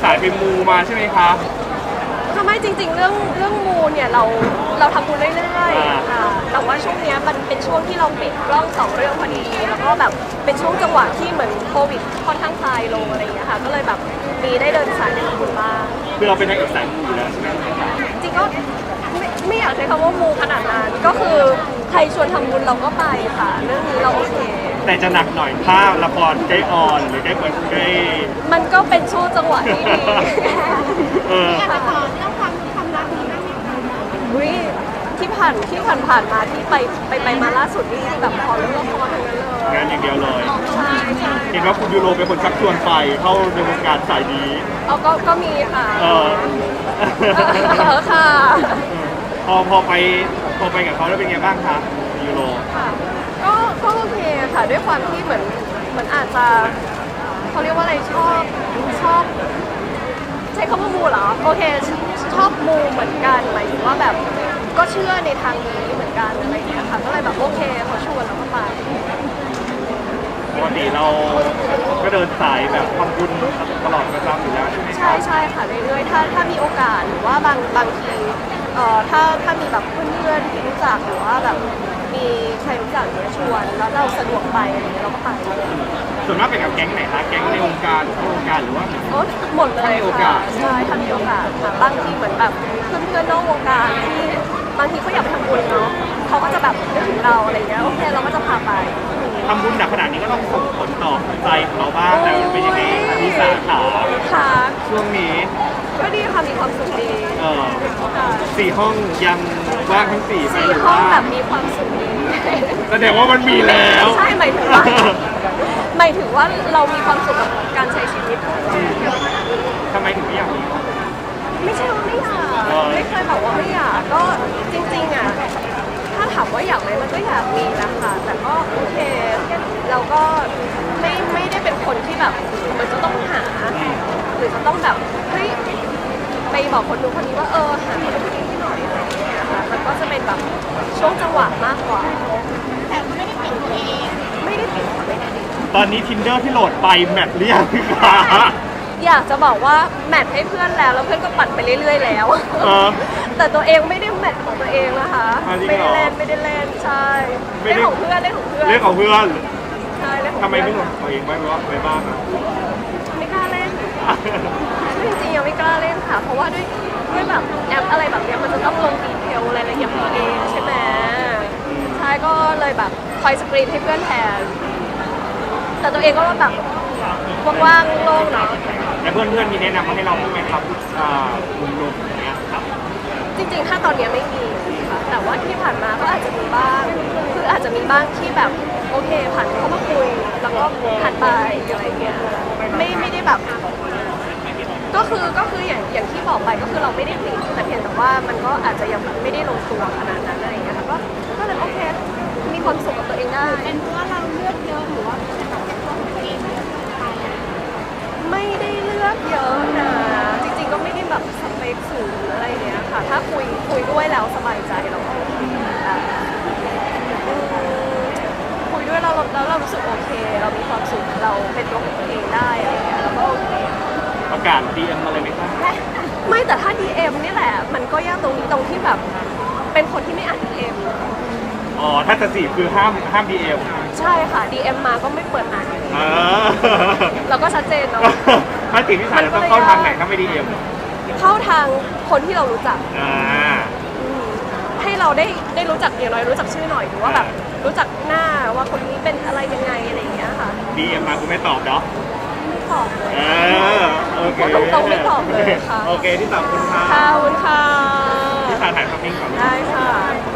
สายไปมูมาใช่ไหมคะทำไมจริงๆเรื่องมูเนี่ยเราทำบุญเรื่อยๆค่ะแต่ว่าช่วงเนี้ยมันเป็นช่วงที่เราปิดกล้อง2 เรื่องพอดีแล้วก็แบบเป็นช่วงจังหวะที่เหมือนโควิดค่อนข้างคลายลงอะไรอย่างเงี้ยค่ะก็เลยแบบมีได้เดินสายไปทำบุญบ้างคือเราเป็นนางเอกสายมูอยู่แล้วใช่ไหมจริงก็ไม่อยากใช้คำว่ามูขนาดนั้นก็คือใครชวนทำบุญเราก็ไปค่ะเรื่องนี้เราโอเคแต่จะหนักหน่อยถ้าละครใกล้ออนหรือใกล้เปิดใกล้มันก็เป็นช่วงจังหวะที่ดีเอออยากจะขอเรื่องความรักนี้ได้ไหมคะอุ๊ยที่ผ่านมาที่ไปมาล่าสุดนี่แบบขอเรื่องละครทั้งนั้นเลยงานอย่างเดียวเลยใช่ใช่เห็นว่าคุณยูโรเป็นคนชักชวนไปเข้าในวงการสายนี้เอาก็มีค่ะเออค่ะพอไปกับเขาแล้วเป็นไงบ้างคะยูโรค่ะก็โอเคค่ะด้วยความที่เหมือนอาจจะเขาเรียกว่าอะไรชอบใช้คำว่ามูเหรอโอเคชอบมูเหมือนกันหมายถึงว่าแบบก็เชื่อในทางนี้เหมือนกันอะไรอย่างเงี้ยค่ะก็เลยแบบโอเคเขาชวนเราก็ไปปกติเราก็เดินสายแบบทำบุญตลอดประจำอยู่แล้วใช่ไหมคใช่รับใช่ค่ะเรื่อยๆถ้ามีโอกาสหรือว่าบางทีถ้ามีแบบเพื่อนๆที่รู้จักหรือว่าแบบมีใครรู้จักเนี่ยชวนแล้วเราสะดวกไปอะไรเงี้ยเราก็ไปส่วนมากเป็นกับแก๊งไหนคะแก๊งในวงการนอกวงการหรือว่าโอ้หมดเลยถ้ามีโอกาค่ะสใช่ถ้ามีโอกาสค่ะบางทีเหมือนแบบเพื่อนๆนอกวงการที่บางทีเขาอยากไปทำบุญเนาะเขาก็จะแบบนึกถึงเราอะไรเงี้ยโอเคเราก็จะพาไปทำบุญหนักขนาดนี้ก็ต้องส่งผลต่อใจของเราบ้างแต่มันเป็นยังไงคะที่สาขาค่ะช่วงนี้ก็ดีค่ะมีความสุขดี ค่ะ 4 ห้องยังว่างทั้ง4ไหมสี่หรือห้องว่าแบบมีความสุขดีแสดงว่ามันมีแล้วใช่หมายถึงว่าเรามีความสุขกับการใช้ชีวิตทำไมถึงไม่อยากมีไม่ใช่ว่าไม่อยากไม่เคยบอกว่าไม่อยากก็จริงๆอ่ะถ้าถามว่าอยากไหมมันก็อยากมีนะคะแต่ก็โอเคเราก็ไม่ได้เป็นคนที่แบบมันจะต้องหาหรือจะต้องแบบเฮ้ยไปบอกคนนู้นคนนี้ว่าหาคนนู้นคนนี้ให้หน่อยอะไรอย่างเงี้ยค่ะมันก็จะเป็นแบบช่วงจังหวะมากกว่าแต่ก็ไม่ได้ปิดตัวเองไม่ได้ปิดค่ะไม่ได้ปิดตอนนี้ Tinder ที่โหลดไปแมทหรือยังคะอยากจะบอกว่าแมทให้เพื่อนแล้วเพื่อนก็ปัดไปเรื่อยๆแล้วเออแต่ตัวเองไม่ได้แมทของตัวเองนะคะอ๋อจริงไม่เหรได้อเล่นใช่ไม่เล่นได้ของเพื่อนเล่นของเพื่อนเรื่องของเพื่อนใช่เล่นของทำไมเพื่ไม่อนโหลดตัวเองไว้หรือว่าไว้บ้างอะไม่กล้าเล่นจริงๆยังไม่กล้าเล่นค่ะ เพราะว่าด้วยแบบแอปอะไรแบบเนี้ยมันจะต้องลงดีเทลรายละเอียดของตัวเองใช่ไหมใช่ก็เลยแบบคอยสกรีนให้เพื่อนแทน แต่ตัวเองก็แบบว่างๆโล่งๆเนาะแล้วเพื่อนๆมีแนะนำมาให้เราบ้างไหมครับกลุ่มๆอย่างเงี้ยครับจริงๆ ถ้าตอนเนี้ยไม่มีค่ะแต่ว่าที่ผ่านมาก็อาจจะมีบ้าง คืออาจจะมีบ้างที่แบบโอเคผ่านเข้ามาคุย แล้วก็ผ่านไปอะไรเงี้ย ไม่ได้แบบ ก็คืออย่างที่บอกไปก็คือเราไม่ได้ปิดแต่เพียงแต่ว่ามันก็อาจจะยังแบบไม่ได้ลงตัวขนาดนั้นอะไรเงี้ยค่ะก็เลยโอเค มีความสุขกับตัวเองได้เป็นเพราะว่าเราเลือกเยอะหรือว่าเป็นแบบตัวของตัวเองเยอะไปไม่ได้เลือกเยอะนะ จริงๆ ก็ไม่ได้แบบสเปคสูงหรืออะไรเงี้ยค่ะ ถ้าคุยด้วยแล้วสบายใจเราก็โอเคแบบคุยด้วยแล้วเรารู้สึกโอเค เรามีความสุขเราเป็นตัวของตัวเองได้อะไรเงี้ยเราก็โอเคประกาศ DM มาเลยไหมครับไม่แต่ถ้า DM นี่แหละ มันก็ยากตรงนี้ตรงที่แบบเป็นคนที่ไม่อ่าน DM อ๋อ ถ้าจะจีบคือห้าม DM ใช่ค่ะ DM มาก็ไม่เปิดอ่านเออเราก็ชัดเจนเนาะถ้าจีบพี่สายเราต้องเข้าทางไหนถ้าไม่ DM เข้าทางคนที่เรารู้จักอ่าให้เราได้รู้จักอย่างน้อยรู้จักชื่อหน่อยหรือว่าแบบรู้จักหน้าว่าคนนี้เป็นอะไรยังไงอะไรอย่างเงี้ยค่ะ DM มาคุณไม่ตอบเนาะไม่ตอบเลยเออโอเคพูดตรงๆไม่ตอบเลยค่ะโอเคที่ตอบคุณค่ะขอบคุณค่ะพี่สายถ่ายภาพนิ่งก่อนได้ค่ะ